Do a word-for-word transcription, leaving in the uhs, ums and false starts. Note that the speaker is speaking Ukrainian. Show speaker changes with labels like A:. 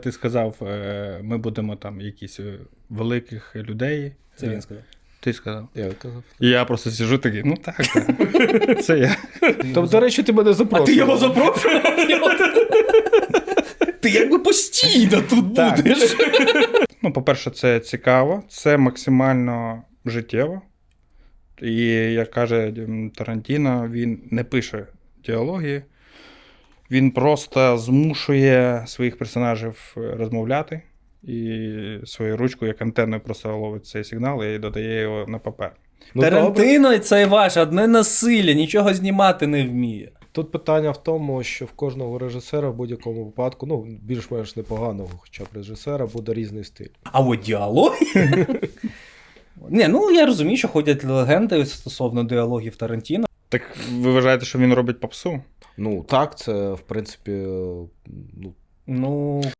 A: Ти сказав, ми будемо там якісь великих людей.
B: Це він сказав.
A: Ти сказав.
B: Я казав.
A: І я просто сиджу такий, ну так, так. Це я.
B: Тобто, до речі, ти мене запрошував.
C: А ти його запрошував? Ти якби постійно тут
A: Так.
C: будеш.
A: Ну, по-перше, це цікаво, це максимально життєво. І, як каже Тарантіно, він не пише діалоги, він просто змушує своїх персонажів розмовляти і своєю ручкою, як антенною, просто ловить цей сигнал і додає його на папер.
B: Ну,
C: Тарантино це ваше одне насилля, нічого знімати не вміє.
B: Тут питання в тому, що в кожного режисера в будь-якому випадку, ну, більш-менш непоганого хоча б режисера, буде різний стиль.
C: А от діалоги? Ні, ну я розумію, що ходять легенди стосовно діалогів Тарантіно.
A: Так ви вважаєте, що він робить попсу?
B: Ну, так, це, в принципі, ну,
C: Ну,